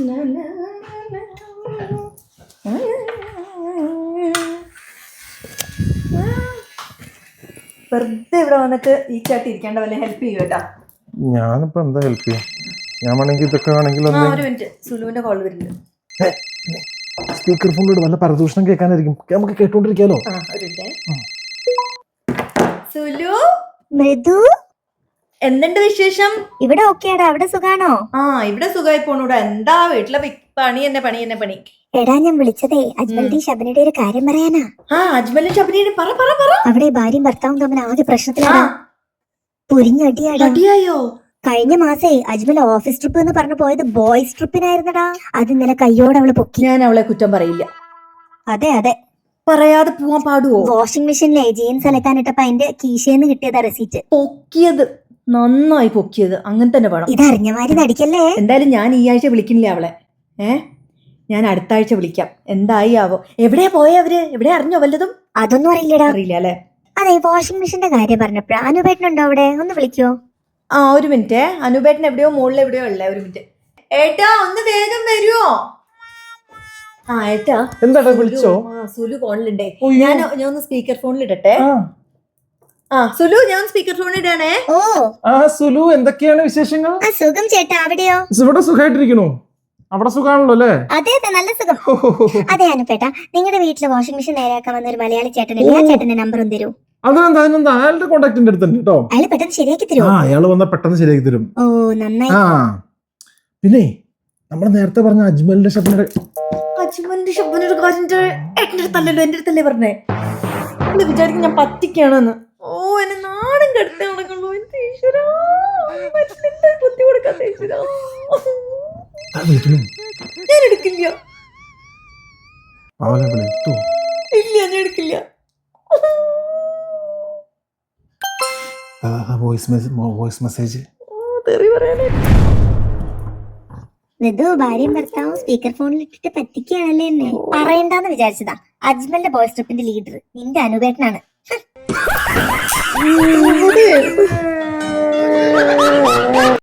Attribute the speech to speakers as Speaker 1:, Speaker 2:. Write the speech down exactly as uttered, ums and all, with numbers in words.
Speaker 1: വെറുതെ ഇവിടെ വന്നിട്ട് ഈ ചാട്ടി ഇരിക്കേണ്ട വല്ല ഹെൽപ്പ് ചെയ്യൂ കേട്ടാ.
Speaker 2: ഞാനിപ്പോ എന്താ ഹെൽപ്പ് ചെയ്യാം? ഞാൻ വേണമെങ്കിൽ ഇതൊക്കെ ആണെങ്കിൽ
Speaker 1: ഒരു മിനിറ്റ്, സുലുവിന്റെ കോൾ വരുന്നുണ്ട്.
Speaker 2: സ്പീക്കർ ഫോണിലൂടെ വല്ല പരദൂഷണം കേൾക്കാനായിരിക്കും, നമുക്ക് കേട്ടോണ്ടിരിക്കാലോ.
Speaker 1: സുലു,
Speaker 3: മൃദു,
Speaker 1: എന്തുണ്ട് വിശേഷം?
Speaker 3: ഇവിടെ ഓക്കെയാടാ, അവിടെ സുഖാണോ?
Speaker 1: ആ, ഇവിടെ സുഖമായി പോണൂടാ. എന്താ വീട്ടിലെ പണി തന്നെ പണി തന്നെ പണി.
Speaker 3: എടാ, ഞാൻ വിളിച്ചതേ അജ്മലിന്റെയും ശബനയുടെ ഒരു കാര്യം പറയാനാ.
Speaker 1: ആ, അജ്മലും ശബനയും പറ പറ പറ.
Speaker 3: അവിടെ ഭാര്യയും ഭർത്താവും തമ്മിൽ ആദ്യ പ്രശ്നത്തിലാ.
Speaker 1: പൊരിഞ്ഞടിയായോ?
Speaker 3: കഴിഞ്ഞ മാസേ അജ്മൽ ഓഫീസ് ട്രിപ്പ് എന്ന് പറഞ്ഞു പോയത് ബോയ്സ് ട്രിപ്പിനായിരുന്നടാ. അത് ഇന്നലെ കയ്യോടെ അവള് പൊക്കി.
Speaker 1: ഞാൻ അവളെ കുറ്റം പറയില്ല.
Speaker 3: അതെ അതെ,
Speaker 1: പറയാതെ പോവാൻ പാടുവോ?
Speaker 3: വാഷിംഗ് മെഷീനിലെ ജീൻസ് അലക്കാനിട്ടപ്പോ അതിന്റെ കീശേന്ന് കിട്ടിയതാ റെസീറ്റ്.
Speaker 1: പൊക്കിയത് നന്നായി, പൊക്കിയത് അങ്ങനെ തന്നെ വേണം.
Speaker 3: ഇതറിഞ്ഞമാരി നടിക്കല്ലേ.
Speaker 1: എന്തായാലും ഞാൻ ഈ ആഴ്ച വിളിക്കുന്നില്ല അവളെ. ഏ ഞാൻ അടുത്ത ആഴ്ച വിളിക്കാം. എന്തായി ആവോ? എവിടെയാ പോയ അവര്? എവിടെയാ അറിഞ്ഞോ വല്ലതും?
Speaker 3: അതൊന്നും അറിയില്ലടാ.
Speaker 1: അറിയില്ല അല്ലെ?
Speaker 3: അതെ, വാഷിംഗ് മെഷീന്റെ കാര്യം പറഞ്ഞപ്പോഴാ അനുപേട്ടനുണ്ടോ അവിടെ? ഒന്ന് വിളിക്കോ?
Speaker 1: ആ, ഒരു മിനിറ്റ്. അനുപേട്ടൻ എവിടെയോ മുകളിൽ എവിടെയോ ഉള്ളേ. ഒരു മിനിറ്റ് ഏട്ടാ, ഒന്ന് വേഗം വരുവോ? ആ ഏട്ടാ,
Speaker 2: എന്താ വിളിച്ചോ?
Speaker 1: സുലു ഫോണിലുണ്ടേ. ഞാൻ ഞാൻ ഒന്ന് സ്പീക്കർ ഫോണിൽ ഇടട്ടെ. ആ സുലു, ഞാൻ സ്പീക്കർ ഫോണിൽ ഇടാണേ.
Speaker 3: ഓ
Speaker 2: ആ സുലു, എന്തൊക്കെയാണ് വിശേഷങ്ങൾ?
Speaker 3: സുഖം ചേട്ടാ, അവിടെയോ?
Speaker 2: ഇവിടെ സുഖമായിട്ടിരിക്കണോ? അവിടെ സുഖാണല്ലോ അല്ലേ?
Speaker 3: അതെ അതെ, നല്ല സുഖം. അതെ അനുപേട്ട, നിങ്ങളുടെ വീട്ടിലെ വാഷിംഗ് മെഷീൻ നേരെയാക്കാൻ വന്ന ഒരു മലയാളി ചേട്ടനില്ല. ആ ചേട്ടന്റെ നമ്പർ ഒന്ന് തരൂ.
Speaker 2: അതെന്താ അതിനെന്താ, അയാളുടെ കോണ്ടാക്ടിന്റെ അടുത്തുണ്ട് കേട്ടോ.
Speaker 3: അയാൾ പെട്ടെന്ന് ശരിയാക്കി തരുമോ?
Speaker 2: ആ, അയാള് വന്നാ പെട്ടെന്ന് ശരിയാക്കി തരും.
Speaker 3: ഓ നന്നായി.
Speaker 2: ആ പിന്നെ നമ്മൾ നേരത്തെ പറഞ്ഞ അജ്മലിന്റെ ശബ്ദം
Speaker 1: അജ്മലിന്റെ ശബ്ദത്തിന്റെ കാര്യം ഏട്ടന്റെ അടുത്തല്ലല്ലോ, എന്റെ അടുത്തല്ലേ പറഞ്ഞേ. എന്നെ വിചാരിക്കും ഞാൻ പറ്റിക്കാണെന്ന്. ഓ, എന്നെ നാടും കെടുത്ത് നടക്കുള്ളൂ. എന്റെ ഈശ്വരാ, ബുദ്ധി കൊടുക്കാത്ത ഈശ്വരാ. ഞാൻ എടുക്കില്ല. ഇല്ല, ഞാൻ എടുക്കില്ല.
Speaker 2: വോയിസ് മെസ്സേജ്
Speaker 3: മൃദു, ഭാര്യയും ഭർത്താവും സ്പീക്കർ ഫോണിൽ ഇട്ടിട്ട് പറ്റിക്കുകയാണല്ലേ എന്നെ. പറയണ്ടെന്ന് വിചാരിച്ചതാ. അജ്മലിന്റെ ബോയ്സ് ട്രിപ്പിന്റെ ലീഡർ നിന്റെ അനുപേട്ടനാണ്.